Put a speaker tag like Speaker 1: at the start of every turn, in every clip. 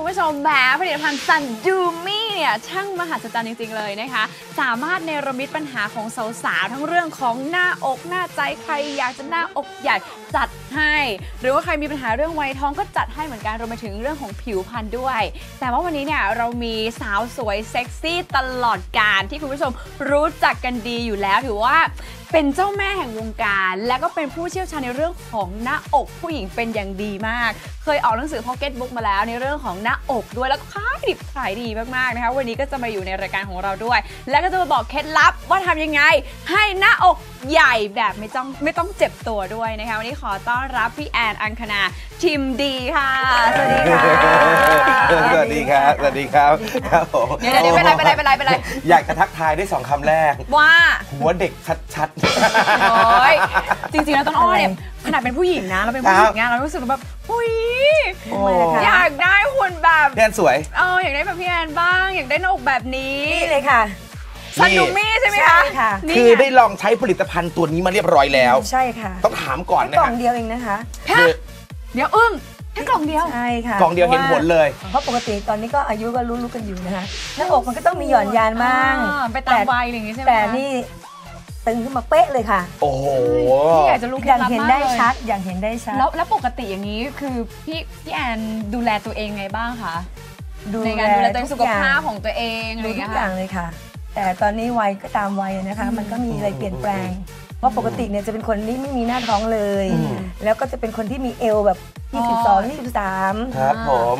Speaker 1: ผู้ชมแหมผลิตภัณฑ์ซันดูมี่เนี่ยช่างมหัศจรรย์จริงๆเลยนะคะสามารถเนรมิตปัญหาของสาวๆทั้งเรื่องของหน้าอกหน้าใจใครอยากจะหน้าอกใหญ่จัดให้หรือว่าใครมีปัญหาเรื่องวัยท้องก็จัดให้เหมือนกันรวมไปถึงเรื่องของผิวพรรณด้วยแต่ว่าวันนี้เนี่ยเรามีสาวสวยเซ็กซี่ตลอดกาลที่คุณผู้ชมรู้จักกันดีอยู่แล้วถือว่าเป็นเจ้าแม่แห่งวงการและก็เป็นผู้เชี่ยวชาญในเรื่องของหน้าอกผู้หญิงเป็นอย่างดีมากเคยออกหนังสือ Pocket Book มาแล้วในเรื่องของหน้าอกด้วยแล้วก็ขายดิบขายดีมากๆนะคะวันนี้ก็จะมาอยู่ในรายการของเราด้วยและก็จะมาบอกเคล็ดลับว่าทำยังไงให้หน้าอกใหญ่แบบไม่ต้องเจ็บตัวด้วยนะคะวันนี้ขอต้อนรับพี่แอนอังคณาทิมดีค่ะสวัสดีค่ะ
Speaker 2: สวัสดีครับสวัสดีครับครับผม
Speaker 1: เดี๋ยวเป็นไร
Speaker 2: อยากจะทักทายได้2 คำแรก
Speaker 1: ว่า
Speaker 2: หัวเด็กชัด
Speaker 1: ๆโอ้ยจริงๆแล้วต้นอ้อเนี่ยขนาดเป็นผู้หญิงนะเราเป็นผู้หญิงไงเรารู้สึกแบบอุ้ยอยากได้หุ่นแบบ
Speaker 2: พี่แอนสวย
Speaker 1: อยากได้แบบพี่แอนบ้างอยากได้หน้าอกแบบนี้
Speaker 3: นี่เลยค่ะ
Speaker 1: ซันดูมี่ใช่ไหมคะ
Speaker 2: คือได้ลองใช้ผลิตภัณฑ์ตัวนี้มาเรียบร้อยแล้ว
Speaker 3: ใช่ค่ะ
Speaker 2: ต้องถามก่อนนะ
Speaker 3: กล่องเดียวเองนะคะ
Speaker 1: เดี๋ยวแค่กล่องเดียว
Speaker 3: ใช่ค่ะ
Speaker 2: กล่องเดียวเห็นผลเลย
Speaker 3: เพราะปกติตอนนี้ก็อายุก็รู้กันอยู่นะคะหน้าอกมันก็ต้องมีหย่อนยานบ้าง
Speaker 1: ไปตามวัยอย่างนี้ใช่ไหม
Speaker 3: แต่นี่ตึงขึ้นมาเป๊ะเลยค่ะ
Speaker 2: โอ้โห
Speaker 1: พี่อยากจะรู้
Speaker 3: อย่างเห็นได้ชัดอย่างเห็นได้ชัด
Speaker 1: แล้วปกติอย่างนี้คือพี่แอนดูแลตัวเองไงบ้างคะในการดูแลตัวเองสุขภาพของตัวเอง
Speaker 3: ดูทุกอย่างเลยค่ะแต่ตอนนี้วัยก็ตามวัยนะคะมันก็มีอะไรเปลี่ยนแปลงเพราะปกติเนี่ยจะเป็นคนที่ไม่มีหน้าท้องเลยแล้วก็จะเป็นคนที่มีเอวแบบ22 23
Speaker 2: ครับผม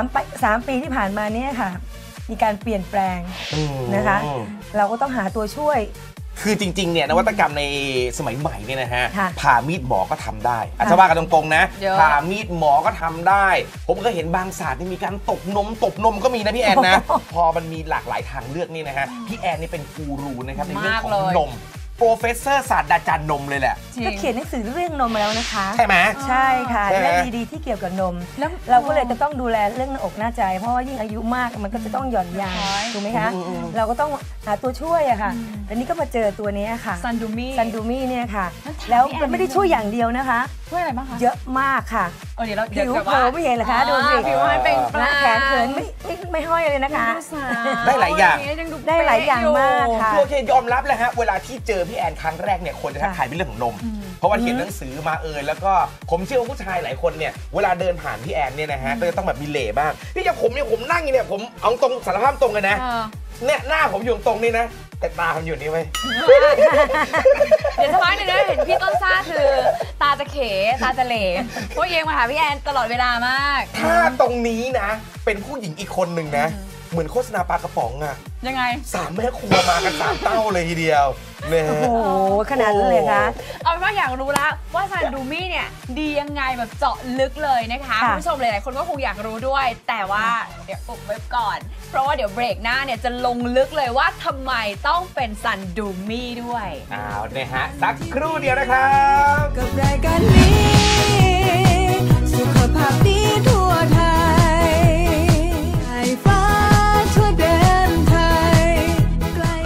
Speaker 3: 3 ปีที่ผ่านมาเนี่ยค่ะมีการเปลี่ยนแปลงนะคะเราก็ต้องหาตัวช่วย
Speaker 2: คือจริงๆเนี่ยนวัตกรรมในสมัยใหม่เนี่ยนะฮะผ่ามีดหมอก็ทำได้อาจจะว่ากันตรงๆนะผ่ามีดหมอก็ทำได้ผมก็เห็นบางศาสตร์ที่มีการตบนมก็มีนะพี่แอนนะพอมันมีหลากหลายทางเลือกนี่นะฮะพี่แอนนี่เป็นกูรูนะครับในเรื่องของนมโปรเฟสเซอร์ศาสตราจารย์นมเลยแหละ
Speaker 3: ก็เขียนหนังสือเรื่องนมมาแล้วนะคะ
Speaker 2: ใช่ไหม
Speaker 3: ใช่ค่ะและดีๆที่เกี่ยวกับนมแล้วเราก็เลยจะต้องดูแลเรื่องหน้าอกหน้าใจเพราะว่ายิ่งอายุมากมันก็จะต้องหย่อนยานถูกไหมคะเราก็ต้องหาตัวช่วยอะค่ะแต่นี่ก็มาเจอตัวนี้ค่ะ
Speaker 1: ซันดู
Speaker 3: มี่เนี่ยค่ะแล้วมันไม่ได้ช่วยอย่างเดียวนะคะ
Speaker 1: ช่วยอะไรบ้างคะ
Speaker 3: เยอะมากค่ะผิวเผลอไม่เห็นเหรอคะดูสิ
Speaker 1: ผิวมันเป็นปลา
Speaker 3: แขนเขินไม่ห้อยเลยนะคะ
Speaker 2: ได้หลายอย่าง
Speaker 3: มากค่ะ
Speaker 2: โอเคยอมรับเลยฮะเวลาที่เจอพี่แอนครั้งแรกเนี่ยคนจะทักทายเป็นเรื่องของนมเพราะว่าเขียนหนังสือมาแล้วก็ผมเชื่อว่าผู้ชายหลายคนเนี่ยเวลาเดินผ่านพี่แอนเนี่ยนะฮะก็จะต้องแบบมีเหล่บ้างพี่อย่างผมนั่งอยู่เนี่ยผมเอาตรงสารภาพตรงเลยนะเนี่ยหน้าผมอยู่ตรงนี้นะแต่ตาผมอยู่นี่ไว้
Speaker 1: เดี๋ยวสักพักนึงนะเห็นพี่ต้นซ่าคือตาจะเขตาจะเหล่เพราะเอียงมาหาพี่แอนตลอดเวลามาก
Speaker 2: ถ้าตรงนี้นะเป็นผู้หญิงอีกคนหนึ่งนะเหมือนโฆษณาปลากระป๋องอะ
Speaker 1: ยังไง
Speaker 2: 3 แม่ครัวมากัน3 เต้าเลยทีเดียวเนี่ย
Speaker 3: โอ้โหขนาดนั้นเลยคะ
Speaker 1: เอาเป็นว่าอยากรู้แล้วว่าซันดูมี่เนี่ยดียังไงแบบเจาะลึกเลยนะคะคุณผู้ชมหลายๆคนก็คงอยากรู้ด้วยแต่ว่าเดี๋ยวอุบไว้ก่อนเพราะว่าเดี๋ยวเบรกหน้าเนี่ยจะลงลึกเลยว่าทำไมต้องเป็นซันดูมี่ด้วย
Speaker 2: เนี่ยฮะสักครู่เดียวนะครับ
Speaker 4: กับรายการนี้สุขภาพดีทั่วไทยไอ้ฟ้าทั่วแดนไทยใกล้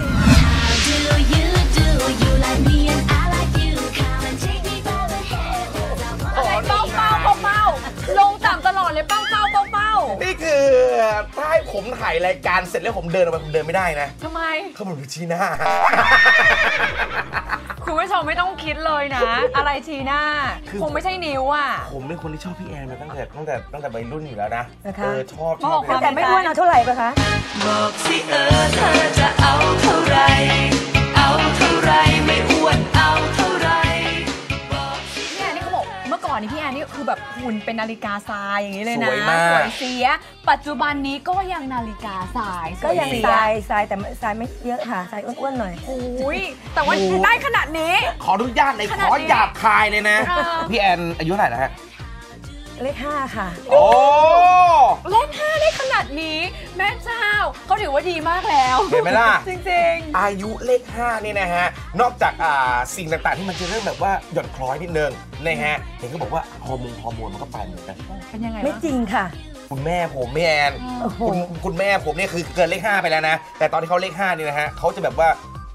Speaker 1: เป้าลงต่ำตลอดเลยเป้า
Speaker 2: นี่คือถ้าให้ผมถ่ายรายการเสร็จแล้วผมเดินออกไปผมเดินไม่ได้นะ
Speaker 1: ทำไม
Speaker 2: เขาบอกชี้หน้า
Speaker 1: คุณผู้ชมไม่ต้องคิดเลยนะอะไรชี้หน้าคงไม่ใช่นิ้วอ่ะ
Speaker 2: ผมเป็นคนที่ชอบพี่แอนมาตั้งแต่วัยรุ่นอยู่แล้วนะชอบ
Speaker 3: แต่ไม่อ้วนเอาเท่าไหร่ปะคะ
Speaker 4: บอกสิเธอจะเอาเท่าไรไม่อ้วนเอาเท่าไร
Speaker 1: พี่แอนนี่เขาบอกเมื่อก่อนนี่พี่แอนนี่คือแบบหุ่นเป็นนาฬิกาทรายอย่างนี้เลยนะ
Speaker 2: สวย
Speaker 1: เสียปัจจุบันนี้ก็ยังนาฬิกาทราย
Speaker 3: ก็ยังทรายแต่ทรายไม่เยอะค่ะทรายอ้วนๆหน่อย
Speaker 1: โอ้ยแต่ว่าได้ขนาดนี้
Speaker 2: ขออนุญาตเลยขอหยาบคายเลยนะพี่แอนอายุเท่าไหร่แล้วฮะ
Speaker 3: เลข 5ค่ะ
Speaker 2: โอ้
Speaker 1: เลข 5ได้ขนาดนี้แม่เจ้าเขาถือว่าดีมากแล้ว
Speaker 2: เห็นไหมล่ะ
Speaker 1: จริง
Speaker 2: ๆอายุเลข 5นี่นะฮะนอกจากสิ่งต่างๆที่มันจะเริ่มแบบว่าหย่อนคล้อยนิดนึงนะฮะเห็นเขาบอกว่าฮอร์โมนมันก็ไปเหมือนกัน
Speaker 1: เป็นยังไง
Speaker 3: ไม่จริงค่ะ
Speaker 2: คุณแม่ผมพี่แอนคุณแม่ผมเนี่ยคือเกินเลข 5ไปแล้วนะแต่ตอนที่เขาเลข 5นี่นะฮะเขาจะแบบว่า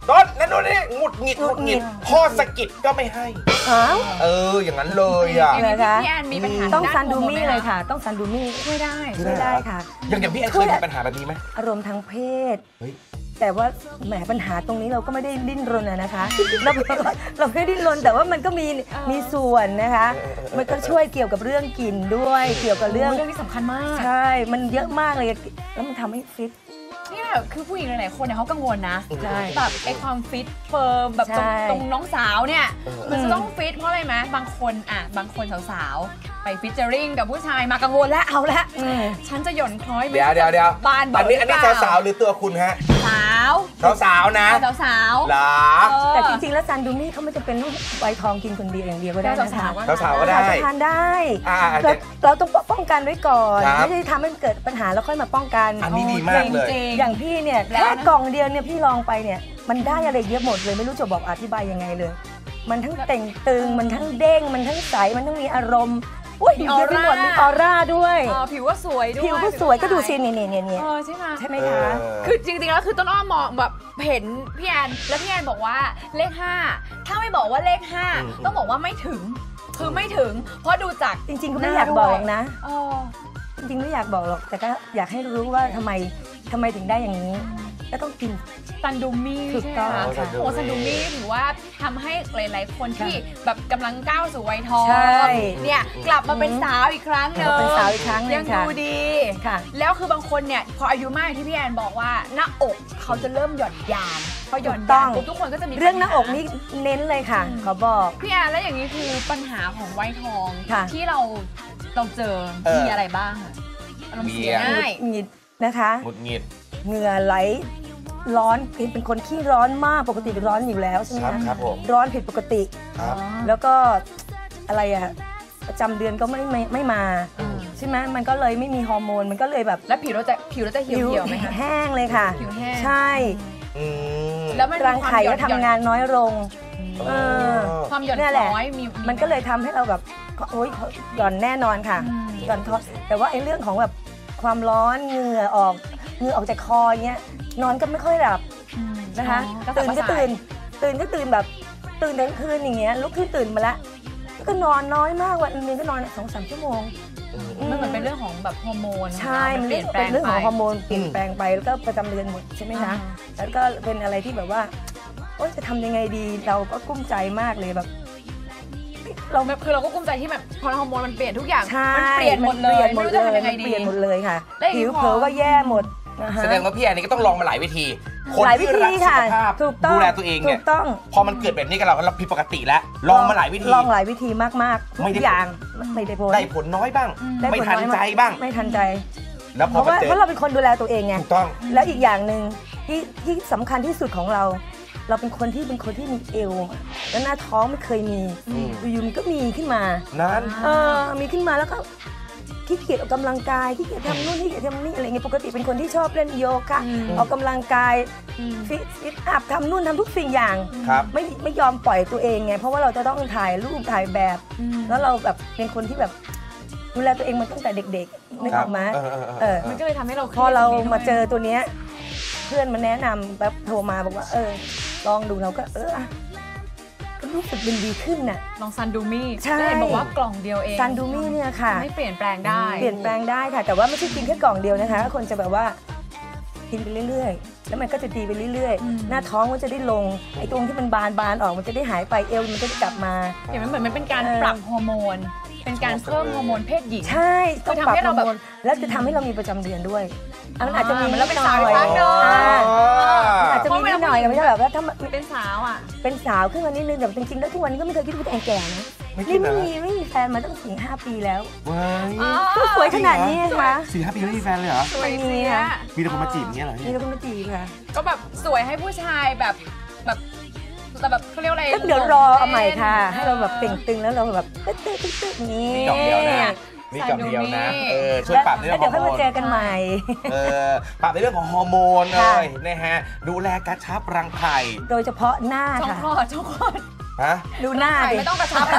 Speaker 2: ต้นนั่นนู่นนี่หงุดหงิดพ่อสะกิดก็ไม่ให้อย่างนั้นเลยอ่ะ
Speaker 1: พี่แอนมีปัญหา
Speaker 3: ต้องซันดูมี่เลยค่ะต้องซันดูมี่
Speaker 1: ช่วย
Speaker 3: ได้ค่ะ
Speaker 2: อย่างพี่แอนเคยมีปัญหาแบบนี้ไหม
Speaker 3: อารมณ์ทางเพศแต่ว่าแหมปัญหาตรงนี้เราก็ไม่ได้ดิ้นรนนะคะเราไม่ได้ดิ้นรนแต่ว่ามันก็มีส่วนนะคะมันก็ช่วยเกี่ยวกับเรื่องกลิ่นด้วยเกี่ยวกับเรื่อง
Speaker 1: ที่สำคัญมาก
Speaker 3: ใช่มันเยอะมากเลยแล้วมันทำให้ฟิต
Speaker 1: นี่แหละคือผู้หญิงหลายๆคนเนี่ยเขากังวลนะแบบไอ้ความฟิตเฟิร์มแบบตรงน้องสาวเนี่ยมันจะต้องฟิตเพราะอะไรไหมบางคนสาวๆไปฟิชเจอริงกับผู้ชายมากังวลแล้วเอาละฉันจะหย่อนคล้อย
Speaker 2: เดี๋ยว
Speaker 1: บานบอก
Speaker 2: อันนี้สาวๆหรือตัวคุณฮะสาวนะ
Speaker 1: สาว
Speaker 2: หรอ
Speaker 3: แต่จริงๆแล้วซันดูมี่เขาไม่จำเป็นต้องไวทองกินคนเดียวอย่างเดียวก็ได้นะคะ
Speaker 2: สาวก็ได้
Speaker 3: ทานได้เราต้องป้องกันไว้ก่อนไม่ได้ทำให้เกิดปัญหาแล้วค่อยมาป้องกัน
Speaker 2: อันนี้ดีมากเลย
Speaker 3: อย่างพี่เนี่ยแค่กล่องเดียวเนี่ยพี่ลองไปเนี่ยมันได้อะไรเยอะหมดเลยไม่รู้จะบอกอธิบายยังไงเลยมันทั้งเต่งตึงมันทั้งเด้งมันทั้งใสมันทั้งมีอารมณ์
Speaker 1: มีออร่า
Speaker 3: มีออร่าด้วย
Speaker 1: ผิวก็สวยด้วย
Speaker 3: ผิวก็สวยก็ดูสิเนี่ย
Speaker 1: ใช่ไหม
Speaker 3: คะ
Speaker 1: คือจริงๆแล้วคือต้นอ้อมมองแบบเห็นพี่แอนแล้วพี่แอนบอกว่าเลข5ถ้าไม่บอกว่าเลข5ต้องบอกว่าไม่ถึงคือไม่ถึงเพราะดูจาก
Speaker 3: จริงๆก็ไม่อยากบอกนะจริงๆไม่อยากบอกหรอกแต่ก็อยากให้รู้ว่าทำไมถึงได้อย่างนี้ก็ต้องกิน
Speaker 1: ซันดูมี่ใช่ไหมคะโอ้ซันดูมี่ถือว่าทำให้หลายๆคนที่แบบกำลังก้าวสู่วัยทองเนี่ยกลับมาเป็นสาวอีกครั้งนึงยังดูดีแล้วคือบางคนเนี่ยพออายุมากที่พี่แอนบอกว่าหน้าอกเขาจะเริ่มหย่อนยานพอหย่อนยานทุกคนก็จะมี
Speaker 3: เรื่องหน้าอกนี่เน้นเลยค่ะเขาบอก
Speaker 1: พี่แอนแล้วอย่างนี้คือปัญหาของวัยทองที่เราเจอมีอะไรบ้างอารมณ์เสียง่าย
Speaker 3: หงิดนะคะ
Speaker 2: หงุดหงิด
Speaker 3: เหงื่อไหลร้อนเป็นคนขี้ร้อนมากปกติเป็นร้อนอยู่แล้วใช่ไหม
Speaker 2: ครับ
Speaker 3: ร้อนผิดปกติแล้วก็อะไรอะประจำเดือนก็ไม่มาใช่ไหมมันก็เลยไม่มีฮอร์โมนมันก็เลยแบบ
Speaker 1: แล้วผิวเราจะเหี่ยวไหมคะ
Speaker 3: แห้งเลยค่ะ
Speaker 1: ผิวแห้ง
Speaker 3: ใช่แล้วรังไข่ก็ทำงานน้อยลง
Speaker 1: ความหย่อนน้อย
Speaker 3: มันก็เลยทำให้เราแบบโอ๊ยหย่อนแน่นอนค่ะหย่อนท้อแต่ว่าไอ้เรื่องของแบบความร้อนเหงื่อออกจากคอเงี้ยนอนก็ไม่ค่อยหลับนะคะตื่นก็ตื่นแบบตื่นทั้งคืนอย่างเงี้ยลุกขึ้นตื่นมาละก็นอนน้อยมากวันนึงก็นอน 2-3 ชั่วโมง
Speaker 1: มันเหมือนเป็นเรื่องของแบบฮอร์โมน
Speaker 3: ใช่มันเป็นเรื่องของฮอร์โมนเปลี่ยนแปลงไปแล้วก็ประจำเดือนหมดใช่ไหมคะแล้วก็เป็นอะไรที่แบบว่าโอ๊ยจะทำยังไงดีเราก็กุ้มใจมากเลยแบบ
Speaker 1: เราก็กุ้มใจที่แบบพอฮอร์โมนมันเปลี่ยนทุกอย่างมันเปลี่ยนหมดเลยไม่รู้จะทำยังไงดี
Speaker 3: เปลี่ยนหมดเลยค่ะผิวเผลอก็แย่หมด
Speaker 2: แสดงว่าพี่แอนนี่ก็ต้องลองมาหลายวิธี
Speaker 3: คนที่รักสุข
Speaker 2: ภาพดูแลตัวเองเนี่ยพอมันเกิดแบบนี้กับเราผิดปกติแล้วลองมาหลายวิธี
Speaker 3: มากๆทุกอย่างไม่ได้ผล
Speaker 2: น้อยบ้างไม่ทันใจบ้าง
Speaker 3: ไม่ทันใจเพราะเราเป็นคนดูแลตัวเองไง
Speaker 2: ถูกต้อง
Speaker 3: แล้วอีกอย่างหนึ่งที่สำคัญที่สุดของเราเป็นคนที่มีเอวแล้วหน้าท้องไม่เคยมีอยู่มันก็มีขึ้นมา
Speaker 2: นั้น
Speaker 3: มีขึ้นมาแล้วก็ขี้เกียจออกกำลังกายขี้เกียจทำนู่นขี้เกียจทำนี่อะไรเงี้ยปกติเป็นคนที่ชอบเล่นโยคะออกกำลังกายฟิตอัพทำนู่นทำทุกสิ่งอย่างไม่ยอมปล่อยตัวเองไงเพราะว่าเราจะต้องถ่ายรูปถ่ายแบบแล้วเราแบบเป็นคนที่แบบดูแลตัวเองมาตั้งแต่เด็กๆนึกออกไหม
Speaker 1: มันก็เลยทำให้เรา
Speaker 3: พอเรามาเจอตัวเนี้ยเพื่อนมาแนะนำแบบโทรมาบอกว่าลองดูเราก็ก็รู้สึกดีขึ้นน่ะ
Speaker 1: ลองซันดูมี่ได้เห็นบอกว่ากล่องเดียวเอง
Speaker 3: ซันดูมี่เนี่ยค่ะ
Speaker 1: ไม่เปลี่ยนแปลงได้
Speaker 3: ค่ะแต่ว่าไม่ใช่กินแค่กล่องเดียวนะคะคนจะแบบว่ากินไปเรื่อยๆแล้วมันก็จะดีไปเรื่อยๆหน้าท้องมันจะได้ลงไอ้ตรงที่มันบานออกมันจะได้หายไปเอวมันจะกลับมา
Speaker 1: เห็นไหมเหมือนมันเป็นการปรับฮอร์โมนเป็นการเพิ่มฮอร์โมนเพศหญิง
Speaker 3: ใช่ต้องปรับฮอร์โมนแล้วจะทำให้เรามีประจำเดือนด้วยมันอาจจะมี
Speaker 1: แล้วเป็นสาวอีกครั้งนึง
Speaker 3: อาจจะมีนิดหน่อยไม่ใช่แบบว่าถ้า
Speaker 1: เป็นสาวอ่ะ
Speaker 3: เป็นสาวขึ้นมานิดนึงแต่จริงๆแล้วทุกวันนี้ก็ไม่เคยคิดว่าตัวเองแก่นะนี่ไม่มีแฟนมาตั้ง4-5 ปีแล้วก็สวยขนาดนี้ค่ะ
Speaker 2: 4-5 ปีไม่มีแฟนเลยเหรอ
Speaker 1: ไม่มี
Speaker 2: นะมีแต่คนมาจีบเงี้ยเหรอ
Speaker 3: มีแต่คนมาจีบค่ะ
Speaker 1: ก็แบบสวยให้ผู้ชายแบบแต่แบบเขาเรียกอะไร
Speaker 3: เดี๋ยวรอเอาใหม่ค่ะให้เราแบบเต่งตึงแล้วเราแบบตึ๊ด
Speaker 2: นี่กล่องเดียวนะนี่กล่องเดียวนะช่วยปรับในเรื่อง
Speaker 3: ของฮอร์โมนเดี๋ยวค่อยมาเจอกันใหม่
Speaker 2: ปรับในเรื่องของฮอร์โมนเลยนะฮะดูแลกระชับรังไข่
Speaker 3: โดยเฉพาะหน้า
Speaker 1: ค่ะช่องคลอด
Speaker 3: ดูหน้าดิ
Speaker 1: ไม่ต้องกระชับ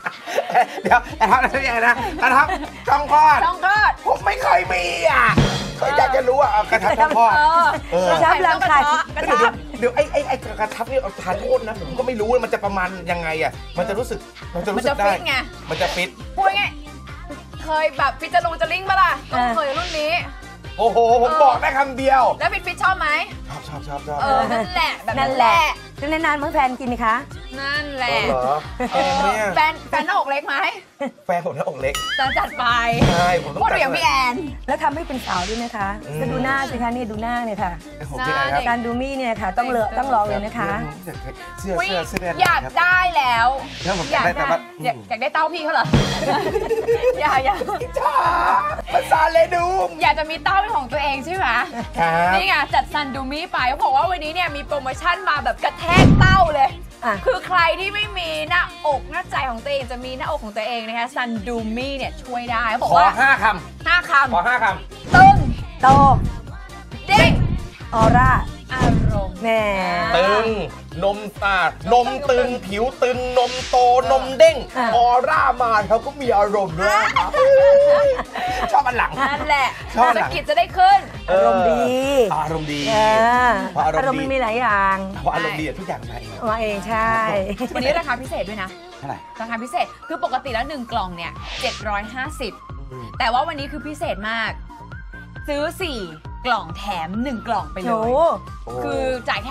Speaker 2: เดี๋ยวทำอะไรสักอย่างนะกระชับช่องคลอด
Speaker 1: ผม
Speaker 2: ไม่เคยมีอ่ะก็อยากจะรู้ว่ากระชับทอด
Speaker 3: กระชับรังไข่
Speaker 2: เดี๋ยวไอ้กระชับนี่ทานโทษนะผมก็ไม่รู้มันจะประมาณยังไงอ่ะมันจะรู้สึกได้
Speaker 1: ฟิตไง
Speaker 2: มันจะฟิต
Speaker 1: พูดไงเคยแบบฟิตจะลิ่งปะล่ะต้องเคยรุ่นนี้
Speaker 2: โอ้โหผมบอกได้คำเดียว
Speaker 1: แล้วฟิตชอบไหม
Speaker 2: ชอบ
Speaker 1: นั่นแหละแบบ
Speaker 3: นั่นแหละนานๆเมื่อแฟนกินนะคะ
Speaker 1: นั่นแหละ
Speaker 2: เหรอเนี่ย
Speaker 1: แฟนหน้าอกเล็กไหม
Speaker 2: แฟนผมหน้าอกเล็ก
Speaker 1: จัดไป
Speaker 2: ใช่ผมต้อง
Speaker 1: พูดเดี๋ยวพี่แอน
Speaker 3: แล้วทำให้เป็นสาวด้วยนะคะก็ดูหน้าสิคะนี่ดูหน้าเนี่ยค่ะ
Speaker 2: ผมเป็นไงครับ
Speaker 3: การดูมี่เนี่ยค่ะต้องลองเลยนะคะ
Speaker 2: เสื้อ
Speaker 1: อยากได้แล้ว
Speaker 2: แล้วผมอยากได้แต่ว่า
Speaker 1: อยากได้เต้าพี่เขาเหรอ อยาก
Speaker 2: จ้าภาษาเลดูม
Speaker 1: อยากจะมีเต้าเป็นของตัวเองใช่ไหม
Speaker 2: ครับ
Speaker 1: นี่ไงจัดซันดูมี่ไปเขาบอกว่าวันนี้เนี่ยมีโปรโมชั่นมาแบบกระแทกเต้าเลย คือใครที่ไม่มีหน้าอกหน้าใจของตัวเองจะมีหน้าอกของตัวเองนะคะซันดูมี่เนี่ยช่วยได้เขาบอก
Speaker 2: ขอ
Speaker 1: ว่า
Speaker 2: 5 คำ
Speaker 1: 5 คำ
Speaker 2: ขอ 5 คำ
Speaker 1: ตึง
Speaker 3: โต
Speaker 1: เด้ง
Speaker 3: ออร่า
Speaker 1: อารมณ์
Speaker 3: แหม
Speaker 2: ตึงนมนมตึงผิวตึงนมโตนมเด้งออร่ามาเขาก็มีอารมณ์ด้วยชอบอันหลัง
Speaker 1: นั่นแหละ
Speaker 2: ชอบ
Speaker 1: สกิดจะได้ขึ้น
Speaker 3: อารมณ์ดี
Speaker 2: อารมณ์ดี
Speaker 3: เพราะอารมณ์มันมีหลายอย่าง
Speaker 2: เพราะอารมณ์ดีทุกอย่างมาเอง
Speaker 3: มาเองใช่
Speaker 1: วันนี้ราคาพิเศษด้วยนะ
Speaker 2: เท่าไหร่
Speaker 1: ราคาพิเศษคือปกติแล้ว1กล่องเนี่ย750แต่ว่าวันนี้คือพิเศษมากซื้อ4กล่องแถม1กล่องไปเล
Speaker 3: โอ้
Speaker 1: ยคือจ่ายแค่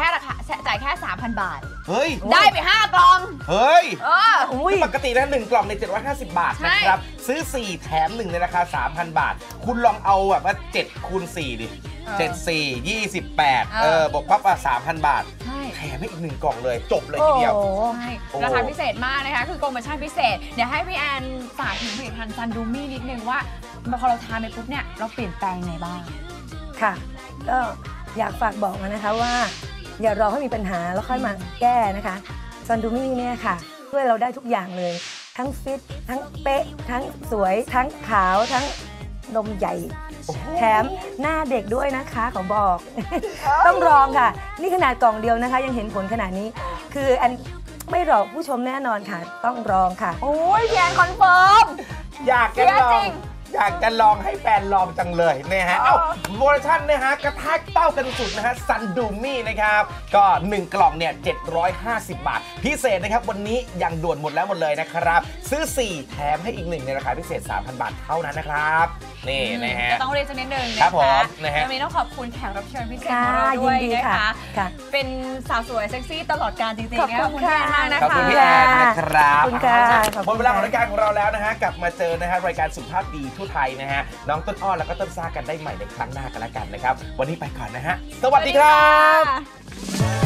Speaker 1: 3,000 บาท
Speaker 2: เฮ้ย
Speaker 1: ได้ไป5กล่อง
Speaker 2: เฮ้ย
Speaker 3: อุ้ย
Speaker 2: ปกติแล้ว1กล่องใน750 บาท
Speaker 1: ใช่
Speaker 2: นะครับซื้อ4แถม1ในราคา 3,000 บาท คุณลองเอาแบบว่า7คูณ4ดิ7 4 28บวกปั๊บ3,000 บาท
Speaker 1: ใช่
Speaker 2: แถมให้อีก1กล่องเลยจบเลยทีเดียว
Speaker 1: ใช่ราคาพิเศษมากนะคะคือโปรโมชั่นพิเศษเดี๋ยวให้พี่แอนฝากถึงผลิตภัณฑ์ซันดูมี่นิดนึงว่าพอเราทานไปปุ๊บเนี่ยเราเปลี่ยนแปลงไงบ้าง
Speaker 3: ค่ะ ก็อยากฝากบอกนะคะว่า อย่ารอให้มีปัญหาแล้วค่อยมาแก้นะคะซันดูมี่เนี่ยค่ะช่วยเราได้ทุกอย่างเลย ทั้งฟิตทั้งเป๊ะทั้งสวยทั้งขาวทั้งนมใหญ่ แถมหน้าเด็กด้วยนะคะขอบอก ต้องลองค่ะ นี่ขนาดกล่องเดียวนะคะยังเห็นผลขนาดนี้ คืออันไม่หลอกผู้ชมแน่นอนค่ะ ต้องลองค่ะ
Speaker 1: โอ้ยพี่แอนคอนเฟิร์ม
Speaker 2: อยากจะลอ
Speaker 1: จริ
Speaker 2: ง
Speaker 1: ง
Speaker 2: อยากจะลองให้แฟนลองจังเลยนะฮะ เอ้าโปรโมชั่นนะฮะกระแทกเต้ากันสุดนะฮะซันดูมี่นะครับ ก็ 1 กล่องเนี่ย750 บาท พิเศษนะครับ วันนี้ยังด่วนหมดแล้วหมดเลยนะครับ ซื้อ 4 แถมให้อีก 1 ในราคาพิเศษ 3,000 บาทเท่านั้นนะครับ นี่นะฮะ
Speaker 1: ก็ต้องเรียนสักนิดนึง
Speaker 2: ครั
Speaker 1: นะ
Speaker 2: บผม
Speaker 1: คะ
Speaker 2: นะฮะ
Speaker 1: วันนี้ต้องขอบคุณแขกรับเชิญพิเศษ
Speaker 3: ค่ะ
Speaker 1: ของเราด้วย
Speaker 3: ยินดี
Speaker 1: นะ
Speaker 3: ค่ะ
Speaker 1: คะ
Speaker 3: ค่ะ
Speaker 1: เป็นสาวสวยเซ็กซี่ตลอดกาลจริงๆ
Speaker 3: ขอบ
Speaker 1: นะ
Speaker 3: คุ
Speaker 1: ขอบ
Speaker 3: ณ
Speaker 1: คุณพี่แอนมากนะ
Speaker 2: ขอบ
Speaker 1: คะ
Speaker 2: คุณพี่แอนนะครับ
Speaker 3: ขอบคุณค่ะขอบคุณ
Speaker 2: หมดเวลาของรายการของเราแล้วนะฮะ กลับมาเจอนะฮะรายการสุขภาพดีทั่วไทยนะฮะ น้องต้นอ้อแล้วก็ต้นซ่ากันได้ใหม่ในครั้งหน้ากันแล้วกันนะครับ วันนี้ไปก่อนนะฮะ สวัสดีครับ
Speaker 1: สวัสดีค่ะ